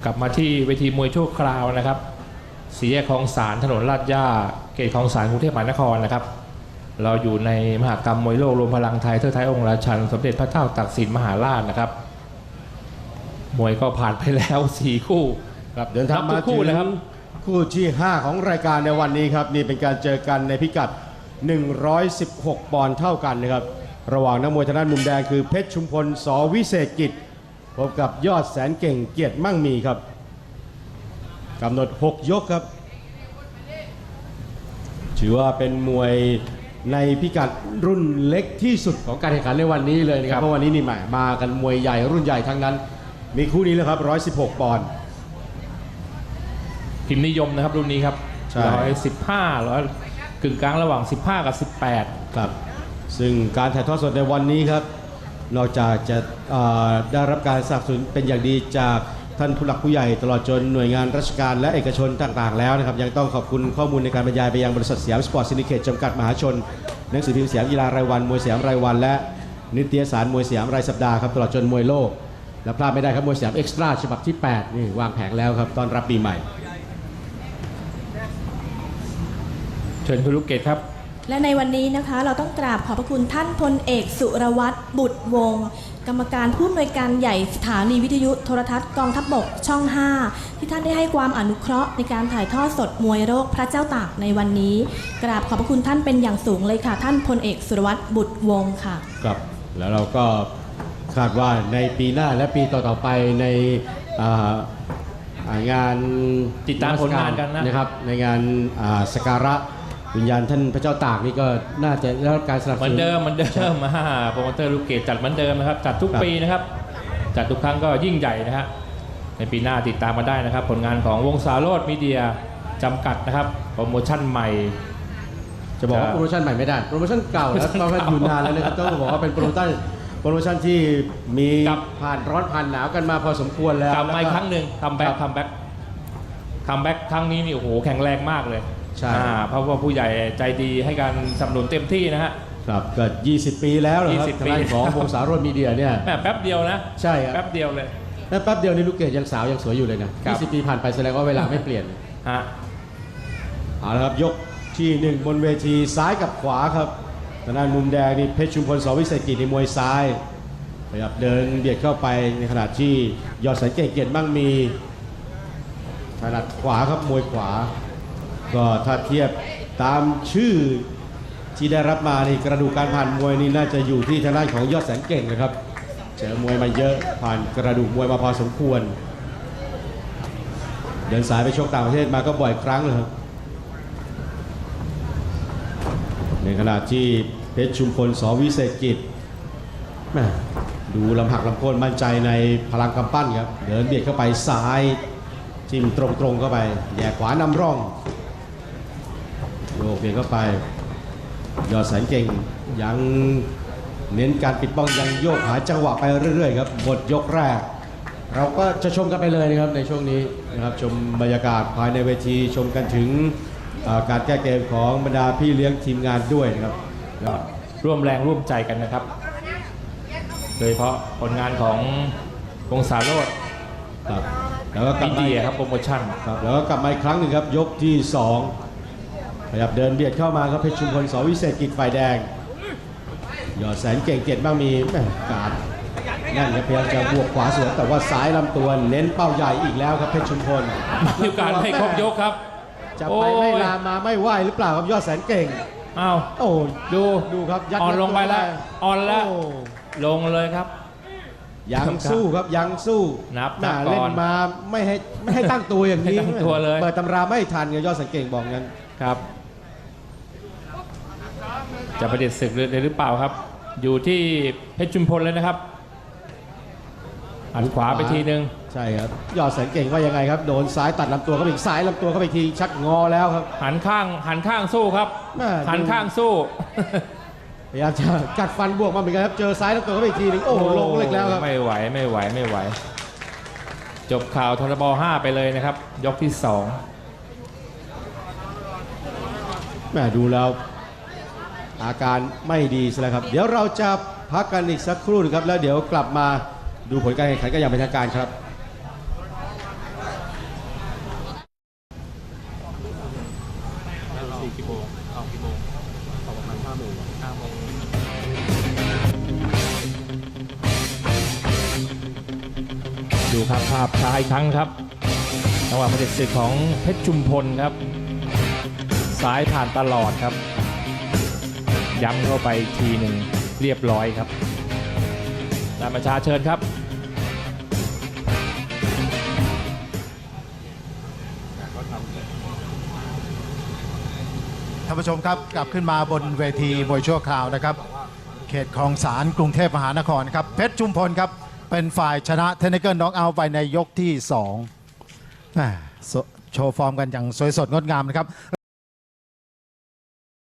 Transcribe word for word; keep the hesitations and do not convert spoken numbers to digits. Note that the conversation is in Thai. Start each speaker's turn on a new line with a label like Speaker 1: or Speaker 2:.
Speaker 1: กลับมาที่เวทีมวยชั่วคราวนะครับสี่แยกคลองสารถนนลาดย่าเขตคลองสารกรุงเทพมหานครนะครับเราอยู่ในมหกรรมมวยโลกรวมพลังไทยเทิดไทยองค์ราชันสมเด็จพระเจ้าตากสินมหาราชนะครับมวยก็ผ่านไปแล้วสี่คู่ครับ
Speaker 2: เดินทางมาถึงคู่ที่ห้าของรายการในวันนี้ครับนี่เป็นการเจอกันในพิกัดหนึ่งร้อยสิบหกปอนด์เท่ากันนะครับระหว่างนักมวยทางด้านมุมแดงคือเพชรชุมพลส.วิเศษกิจพบกับยอดแสนเก่งเกียรติมั่งมีครับกำหนดหกยกครับถือว่าเป็นมวยในพิกัดรุ่นเล็กที่สุดของการแข่งขันในวันนี้เลยนะครับเพราะวันนี้นี่หมายมากันมวยใหญ่รุ่นใหญ่ทั้งนั้นมีคู่นี้แล้วครับหนึ่งร้อยสิบหกปอนด์
Speaker 1: พิมพ์นิยมนะครับรุ่นนี้ครับร้อยสิบห้าร้อยกึ่งกลางระหว่างสิบห้ากับสิบแปด
Speaker 2: ครับซึ่งการถ่ายทอดสดในวันนี้ครับนอกจากจะได้รับการสนับสนุนเป็นอย่างดีจากท่านผู้หลักผู้ใหญ่ตลอดจนหน่วยงานราชการและเอกชนต่างๆแล้วนะครับยังต้องขอบคุณข้อมูลในการบรรยายไปยังบริษัทสยามสปอร์ตซินดิเคตจำกัดมหาชนหนังสือพิมพ์สยามกีฬารายวันมวยสยามรายวันและนิตยสารมวยสยามรายสัปดาห์ครับตลอดจนมวยโลกและพลาดไม่ได้ครับมวยสยามเอ็กซ์ตร้าฉบับที่แปดนี่วางแผงแล้วครับต้อนรับปีใหม่
Speaker 1: เชิญคุณลูกเกดครับ
Speaker 3: และในวันนี้นะคะเราต้องกราบขอบพระคุณท่านพลเอกสุรวัตรบุตรวงศ์กรรมการผู้อำนวยการใหญ่สถานีวิทยุโทรทัศน์กองทัพบกช่องห้าที่ท่านได้ให้ความอนุเคราะห์ในการถ่ายทอดสดมวยโลกพระเจ้าตากในวันนี้กราบขอบพระคุณท่านเป็นอย่างสูงเลยค่ะท่านพลเอกสุรวัตรบุตรวงศ์ค่ะ
Speaker 2: ครับแล้วเราก็คาดว่าในปีหน้าและปีต่อๆไปในงาน
Speaker 1: ติดตามผลงานกันนะ
Speaker 2: นะครับในงานสักการะวิญญาณท่านพระเจ้าตากนี่ก็น่าจะได้รับการสนับสนุน
Speaker 1: เหมือนเดิมเหมือนเดิมมาโปรโมเตอร์ลูกเกดจัดเหมือนเดิมนะครับจัดทุกปีนะครับจัดทุกครั้งก็ยิ่งใหญ่นะฮะในปีหน้าติดตามมาได้นะครับผลงานของวงสาโรจน์มีเดียจำกัดนะครับโปรโมชั่นใหม่
Speaker 2: จะบอกว่าโปรโมชั่นใหม่ไม่ได้โปรโมชั่นเก่าแล้วเพราะว่าอยู่นานแล้วนะครับต้องบอกว่าเป็นโปรโมชั่นโปรโมชั่นที่มีผ่านร้อนผ่านหนาวกันมาพอสมควรแล้ว
Speaker 1: กลับมาอีกครั้งหนึ่งคัมแบ็กคัมแบ็กคัมแบ็กครั้งนี้นี่โอ้โหแข็งแรงมากเลย
Speaker 2: ใช่
Speaker 1: เพราะว่าผู้ใหญ่ใจดีให้การสนับสนุนเต็มที่นะฮะ
Speaker 2: ครับเกิดยี่สิบปีแล้วนะครับทางด้านของวงสาโรจน์มีเดียเนี่ย
Speaker 1: แป๊บเดียวนะ
Speaker 2: ใช่ครับ
Speaker 1: แป๊บเดียวเลย
Speaker 2: แป๊บเดียวนี่ลูกเกดยังสาวยังสวยอยู่เลยนะยี่สิบปีผ่านไปแสดงว่าเวลาไม่เปลี่ยน
Speaker 1: ฮะ
Speaker 2: เอาละครับยกที่หนึ่งบนเวทีซ้ายกับขวาครับทางด้านมุมแดงนี่เพชรชุมพลส.วิเศษกิจในมวยซ้ายพยายามเดินเบียดเข้าไปในขณะที่ยอดแสนเก่งเกียรติมั่งมีถนัดขวาครับมวยขวาก็ถ้าเทียบตามชื่อที่ได้รับมานี่กระดูกการผ่านมวยนี่น่าจะอยู่ที่ทางด้านของยอดแสนเก่งนะครับเจอมวยมาเยอะผ่านกระดูกมวยมาพอสมควรเดินสายไปชกต่างประเทศมาก็บ่อยครั้งเลยครับในขณะที่เพชรชุมพลส.วิเศษกิจแม่ดูลำหักลำโค่นมั่นใจในพลังกำปั้นครับเดินเบียดเข้าไปซ้ายจิ้มตรงๆเข้าไปแย่ขวานำร่องโยกเบียดเข้าไปยอดแสนเก่งยังเน้นการปิดป้องยังโยกหาจังหวะไปเรื่อยๆครับหมดยกแรกเราก็จะชมกันไปเลยนะครับในช่วงนี้นะครับชมบรรยากาศภายในเวทีชมกันถึงการแก้เกมของบรรดาพี่เลี้ยงทีมงานด้วยนะครับ
Speaker 1: ร่วมแรงร่วมใจกันนะครับโดยเฉพาะผลงานของวงสาโรจน์
Speaker 2: ครับแล้วก็กลับมา
Speaker 1: ครับโปรโมชั่น
Speaker 2: ครับแล้วก็กลับมาอีกครั้งหนึ่งครับยกที่สองพยายามเดินเบียดเข้ามาครับเพชรชุมพลส.วิเศษกิจฝ่ายแดงยอดแสนเก่งเกียรติบ้างมีแม่การนั่นครับพยายามจะบวกขวาสวนแต่ว่าซ้ายลำตัวเน้นเป้าใหญ่อีกแล้วครับเพชรชุมพล
Speaker 1: มีโอกาสให้ครบยกครับ
Speaker 2: จะไปไม่ลามาไม่ไหวหรือเปล่าครับยอดแสนเก่ง
Speaker 1: อ้าว
Speaker 2: โอ้
Speaker 1: ดู
Speaker 2: ดูครับ
Speaker 1: ยัดอ่อนลงไปแล้วอ่อนแล้วลงเลยครับ
Speaker 2: ยังสู้ครับยังสู้
Speaker 1: นับ
Speaker 2: หน้าเล่นมาไม่ให้ไม่ให้ตั้งตัวอย่างนี้
Speaker 1: ตั้งตัวเลย
Speaker 2: เปิดตำราไม่ทันกับยอดแสนเก่งบอกงั้น
Speaker 1: ครับจะประเด็นศึกเลยหรือเปล่าครับอยู่ที่เพชรชุมพลเลยนะครับหันขวาไปทีนึง
Speaker 2: ใช่ครับยอดแสนเก่งว่ายังไงครับโดนซ้ายตัดลำตัวเข้าไปอีกซ้ายลำตัวเข้าไปทีชักงอแล้วครับ
Speaker 1: หันข้างหันข้างสู้ครับหันข้างสู้
Speaker 2: พยายามจะกัดฟันบวกมาเหมือนกันครับเจอซ้ายลำตัวเข้าไปอีกทีนึงโอ้ลงเล็กแล้วครับ
Speaker 1: ไม่ไหวไม่ไหวไม่ไหวจบข่าวทรบห้าไปเลยนะครับยกที่สอง
Speaker 2: แม่ดูแล้วอาการไม่ดีซะแล้วครับเดี๋ยวเราจะพักกันอีกสักครู่นึงครับแล้วเดี๋ยวกลับมาดูผลการแข่งขันกันอย่างเป็นทางการครับ
Speaker 1: ดูครับภาพช้าอีกครั้งครับจังหวะประเด็จศึกของเพชรชุมพลครับซ้ายผ่านตลอดครับย้ำเข้าไปอีกทีหนึ่งเรียบร้อยครับนายประชาเชิญครับ
Speaker 4: ท่านผู้ชมครับกลับขึ้นมาบนเวทีมวยชั่วคราวนะครับเขตคลองสารกรุงเทพมหานครครับเพชรชุมพลครับเป็นฝ่ายชนะเทนนิเกิลน็อกเอาท์ไปในยกที่สองแหม่โชว์ฟอร์มกันอย่างสวยสดงดงามนะครับ